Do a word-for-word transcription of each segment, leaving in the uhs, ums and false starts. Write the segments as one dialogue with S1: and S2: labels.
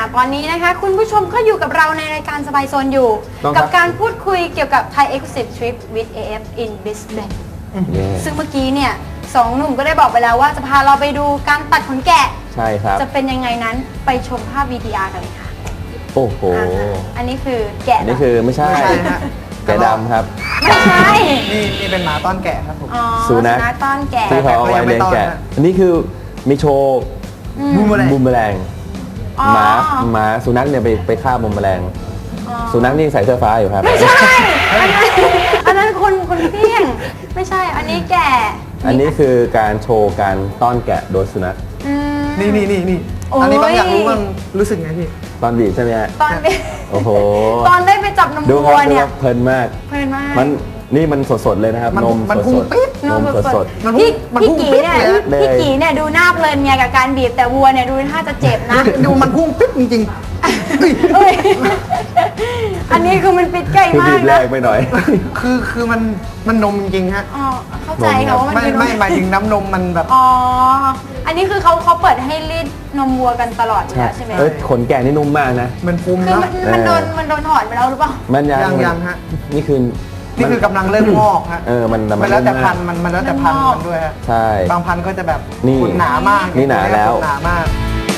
S1: ตอนนี้นะคะคุณผู้ชมก็อยู่กับเราในรายการสบายโซนอยู่ กับการพูดคุยเกี่ยวกับ Thai Exclusive Trip with เอ เอฟ in Brisbane ซึ่งเมื่อกี้เนี่ยสองหนุ่มก็ได้บอกไปแล้วว่าจะพาเราไปดูการตัดขนแกะ
S2: ใช่ครับ
S1: จะเป็นยังไงนั้นไปชมภาพ วี ที อาร์ กันเลยค่ะ
S2: โอ้โห
S1: อันนี้คือแกะ
S2: อันนี้คือไม่ใช่แกะดำครับ
S1: ไม่ใช่
S3: นี่นี่เป็นหมาต้อนแกะครับผม
S2: สุนัข
S1: ต้อนแกะ
S2: ที่เขาเอาไว้เลี้ยงแกะอันนี้คือมีโชว์บูมแมลงหมาหมาสุนัขเนี่ยไปไปฆ่าบูมแมลงสุนัขนี่ใส่เสื้อฟ้าอยู่ครับ
S1: ไม่ใช่อันนั้นคนคนเพี้ยงไม่ใช่อันนี้แกะ
S2: อันนี้คือการโชว์การต้อนแกะโดยสุนัข
S3: นี่นี่นี่นี่อันนี้บางอยากรู้มันรู้สึกไงพี่
S2: ตอนบีบใช่ไหมฮะ
S1: ตอนบีบ
S2: โอ้โห
S1: ตอนได้ไปจับนมวัวเนี่ย
S2: เพลินมาก
S1: เพลินมาก
S2: มันนี่มันสดๆเลยนะครับนมสดๆนมสด
S1: ๆพี่พี่กีเนี่ยพี่กีเนี่ยดูหน้าเพลินไงกับการบีบแต่วัวเนี่ยดูท่าจะเจ็บนะ
S3: ดูมันพุ่งปิ๊บจริง
S1: ๆอันนี้คือมันปิดใกล้มากนะ
S2: คือบีบแรกไปหน่อย
S3: คือคือมันมันนมจริงฮะ
S1: อ๋อเข้าใจค่ะว่ามัน
S3: ไม่ไม่หมายถึงน้ำนมมันแบบ
S1: อ๋ออันนี้คือเขาเขาเปิดให้รีดนมวัวกันตลอดอยู่แล้วใช่ไหม
S2: เออขนแกะนี่นุ่มมากนะ
S3: มันฟูม
S1: คือมันโดนมันโดนถอดไปแล้วหรือเปล่า
S2: มันยัง
S3: ยังฮะ
S2: นี่คือ
S3: นี่คือกำลังเริ่มงอกฮะ
S2: เออมัน
S3: มันแล้วแต่พันมันมันแล้วแต่พันมันด้วยฮะ
S2: ใช่
S3: บางพันก็จะแบบ
S2: ข
S3: นหนามาก
S2: นี่หนาแล้ว
S3: หนามาก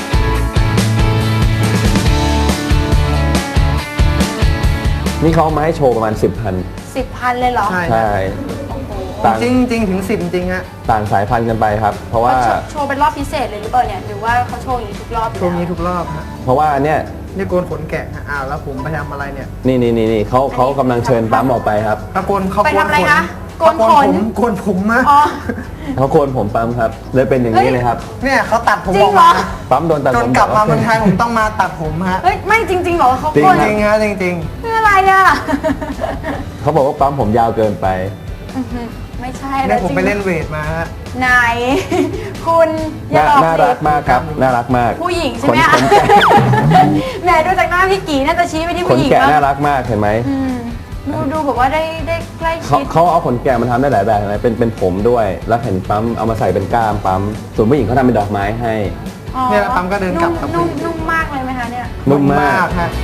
S2: นี่เขามาให้โชว์ประมาณสิบพัน
S1: สิบพันเลยเหรอ
S2: ใช่
S3: จริงจริงถึงสิบจริงฮะ
S2: ต่างสายพันธุ์กันไปครับเพราะว่า
S1: โชว์เป็นรอบพิเศษเลยหรือเปล่าเนี่ยหรือว่าเขาโชว์อย่างนี้ทุกรอบ
S3: โชว์นี้ทุกรอบฮะ
S2: เพราะว่าเนี่ย
S3: นี่โกนขนแกะฮะอ้าวแล้วผมไปทำอะไรเนี่ย
S2: นี่นี่นี่นี่เขาเขากำลังเชิญปั๊มออกไปครับ
S3: เขาโกนเขา
S1: ไปทำอะไรคะโกนขน
S3: โกนผมมะ
S2: เขาโกนผมปั๊มครับเลยเป็นอย่างนี้เลยครับ
S3: เนี่ยเขาตัดผม
S1: ออกมา
S2: ปั๊มโดนตัดผม
S3: จนกลับมาเมืองไทยผมต้องมาตัดผมฮะ
S1: เฮ้ยไม่จริงๆหรอเขาโกน
S3: จริงฮะจริง
S1: ๆคืออะไรอ่ะ
S2: เขาบอกว่าปั๊มผมยาวเกินไป
S1: ไม่ใช่
S3: แล้วผมไปเล่นเวทมาฮะ
S1: ไหนคุณ
S2: น่ารักมากครับน่ารักมาก
S1: ผู้หญิงใช่ไหมแหมดูจากหน้าพี่กีน่าจะชี้ไปที่ผู้หญิง
S2: ขนแกะน่ารักมากเห็นไหม
S1: ดูดูแบบว่าได้ได้ใกล้ชิด
S2: เขาเอาขนแกะมาทำได้หลายแบบนะเป็นเป็นผมด้วยแล้วเห็นปั๊มเอามาใส่เป็นก้ามปั๊มส่วนผู้หญิงเขาทำเป็นดอกไม้ให้
S3: เนี่ยปั๊มก็เดินกลับ
S1: นุ่มนุ่มมากเลยไหมคะเนี่ย
S2: นุ่มมาก
S3: ฮะ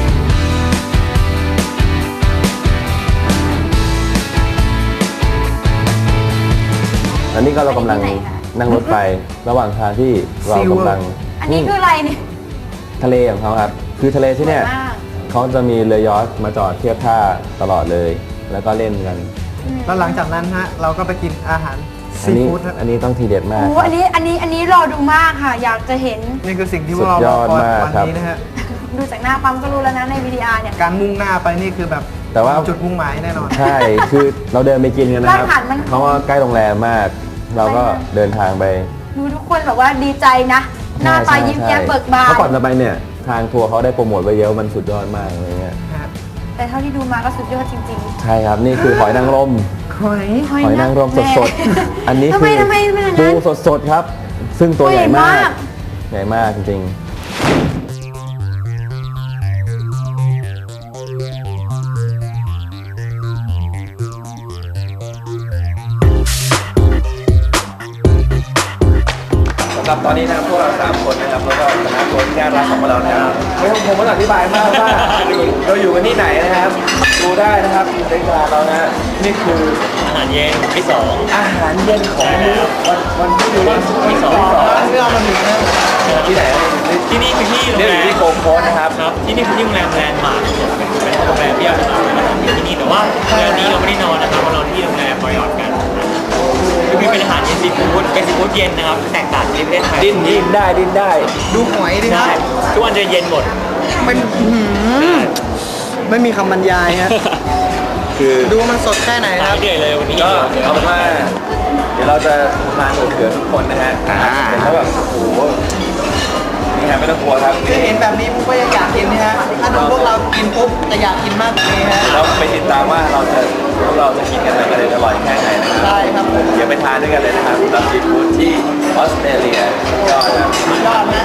S2: อันนี้ก็เรากำลังนั่งรถไฟระหว่างทางที่เรากำลัง
S1: อันนี้คืออะไรเนี่ย
S2: ทะเลของเขาครับคือทะเลที่เนี่ยเขาจะมีเรือยอชต์มาจอดเทียบท่าตลอดเลยแล้วก็เล่นกัน
S3: แล้วหลังจากนั้นฮะเราก็ไปกินอาหารซีฟู้ด
S2: อันนี้ต้องทีเด็ดมาก
S1: โอ้อันนี้อันนี้อันนี้รอดูมากค่ะอยากจะเห็น
S3: นี่คือสิ่งที่พวกเรารอคอยวันนี้นะฮะ
S1: ดูจากหน้าปั๊มก็รู้แล้วนะใน วี ที อาร์ เนี่ย
S3: การมุ่งหน้าไปนี่คือแบบ
S2: แต่ว่า
S3: จุดมุ่งหมายแน่นอน
S2: ใช่คือเราเดินไปกินกันนะครับเพราะว่าใกล้โรงแรมมากเราก็เดินทางไป
S1: ดูทุกคนแบบว่าดีใจนะหน้าตายิ้มแย้มเบิกบาน
S2: เพราะก่อนจะไปเนี่ยทางทัวร์เขาได้โปรโมทไว้เยอะมันสุดยอดมากอะไรเงี้ย
S1: แต่เท่าที่ดูมาก็สุดยอดจริง
S2: ๆใช่ครับนี่คือหอยนางรม
S3: หอย
S2: หอยนางรมสดๆอันนี้คือปูสดๆครับซึ่งตัวใหญ่มากใหญ่มากจริงตอนนี้นะครับพวกเราสามคนนะครับแล้วก็คณะทัวร์ที่น่ารักของเรานะครับไม่ต้องผมต้องอธิบายมากว่าเราอยู่กันที่ไหนนะครับดูได้นะครับอยู่ในกลางเรานะนี่คือ
S4: อาหารเย็นที่สอง
S2: อาหารเย็นของวันวันที่
S4: ที่สอง
S3: ที่เรามาถึงนะ
S2: ที่ไหน
S4: ที่นี่คือที่โรง
S2: แรมที่โกโก้นะครับ
S4: ครับที่นี่คือที่โรงแรมแลนด์มาร์คเป็นโรงแรมที่เราจะมาทำที่นี่แต่ว่าโรงแรมนี้เราไม่ได้นอนนะครับเรานอนที่โรงแรมมอริออทกันคือเป็นอาหารเย็นซีฟู้ดเป็นซีฟู้ดเย็นนะครับแตกต่างจากประเทศไทย
S2: ดิ้นดิ้นได้ดิ้นได้
S3: ดูหอยดิ
S4: ครับทุกวันจะเย็นหมด
S3: มันไม่มีคำบรรยายฮะคือดูมันสดแค่ไหนครับ
S4: เดี๋ยวเลยวันนี้
S2: ก็เอาเป็นว่าเดี๋ยวเราจะมาเผื่อทุกคนนะฮะแต่ถ้าแบบโอ้โหนี่ฮะไม่ต้องกลัวครับ
S3: คือเห็นแบบนี้ปุ๊บก็อยากกินนะฮะถ้าดูพวกเรากินปุ๊บจะอยากกินมากเลยฮะ
S2: เราไปติดตามว่าเราจะพวกเราจะกินกันอะไรอร่อยแค่ไหนนะครับ
S3: ใช่ครับ
S2: เดี๋ยวไปทานด้วยกันเลยนะครับรับซีฟู้ดที่ออสเตรเลียยอดนะ
S3: ยอดนะ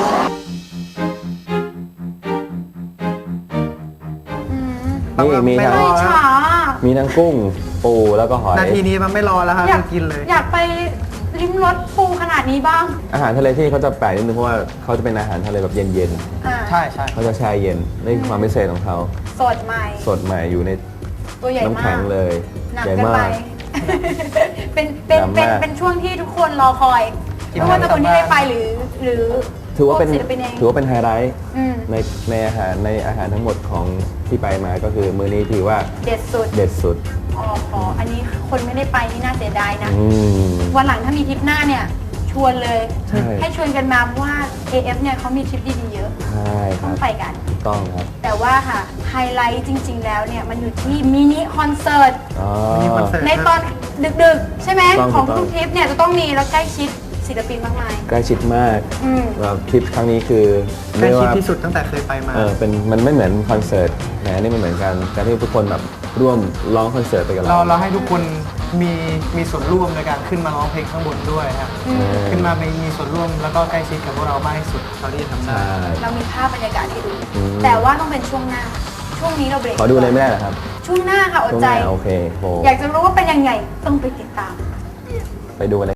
S2: นี่มีทั้งมีทั้งกุ้งปูแล้วก็หอย
S3: นาทีนี้มันไม่รอแล้วครับ
S1: อยาก
S3: กินเลย
S1: อยากไปลิ้มรสปูขนาดนี้บ้าง
S2: อาหารทะเลที่เขาจะแปลกนิดนึงเพราะว่าเขาจะเป็นอาหารทะเลแบบเย็น
S1: อ่า
S3: ใช่ใช่
S2: ๆเขาจะแช่เย็นนี่คือความพิเศษของเขา
S1: สดใหม่
S2: สดใหม่อยู่ใน
S1: ตัวใหญ่
S2: น้ำ
S1: มา
S2: แข็
S1: ก
S2: งเลย
S1: หนัก
S2: ใหญ่
S1: เกิน
S2: มา
S1: ไป
S2: ก
S1: เป็นเป็น
S2: หนัก
S1: เป็น
S2: มาก
S1: เป็นช่วงที่ทุกคนรอคอยไม่ว่าจะคนที่ได้ไปหรือ หรือ
S2: ถือว่าเป็น
S1: พศิลปินเอง
S2: ถือว่าเป็นไฮไลท์
S1: อืม
S2: ในในอาหารในอาหารทั้งหมดของที่ไปมาก็คือมื้อนี้ถือว่า
S1: เด็ดสุด
S2: เด็ดสุด
S1: อ๋ออ๋ออันนี้คนไม่ได้ไปนี่น่าเสียดายนะ
S2: อืม
S1: วันหลังถ้ามีทริปหน้าเนี่ย ชวนเลย
S2: ใช่
S1: ให้ชวนกันมาเพราะว่า เอ เอฟ เนี่ยเขามีทริปดีๆเยอะ
S2: ใช่ค
S1: ต้
S2: รั
S1: อง
S2: บ
S1: ไปกัน
S2: ถูกต้องครับ
S1: แต่ว่าค่ะ ไฮไลท์จริง ๆ แล้วเนี่ย มันอยู่ที่มินิคอนเสิร์ต
S2: อ๋อ
S3: มีคอนเสิร์ต
S1: ในตอนดึกๆ ใช่ไหม
S2: ถูกต้อง
S1: ของ
S2: ถูกต้อง
S1: ทุกทริปเนี่ยจะต้องมีแล้วใกล้ชิดศิลปินมากมาย
S2: ใกล้ชิดมาก
S1: อืม
S2: แบบทริปครั้งนี้คือ
S3: ใกล้
S2: เรียก
S3: ชิด
S2: ว่า
S3: ที่สุดตั้งแต่เคยไปมา
S2: เออเป็นมันไม่เหมือนคอนเสิร์ตนะนี่มันเหมือนกันการที่ทุกคนแบบร่วมร้องคอนเสิร์ตไปกับ
S3: เรา
S2: เรา
S3: เราให้ทุกคนมีมีส่วนร่วมในการขึ้นมาร้องเพลงข้างบนด้วยครับ
S1: อืม
S2: เออ
S3: ขึ้นมามีมีส่วนร่วมแล้วก็ใกล้ชิดกับพวกเรามากที่สุดเท่าที่จะทำได้
S2: ใช่
S1: เรามีภาพบรรยากาศให้ดู
S2: อืม
S1: แต่ว่าต้องเป็นช่วงหน้า ช่วงนี้เราเบรก
S2: ขอดูเลยไม่ได้เหรอครับ
S1: ช่วงหน้าค่ะอด
S2: ช่วง
S1: ใจ
S2: หน้าโอเคโห
S1: อยากจะรู้ว่าเป็นยังไงต้องไปติดตาม
S2: ไปดูกันเลย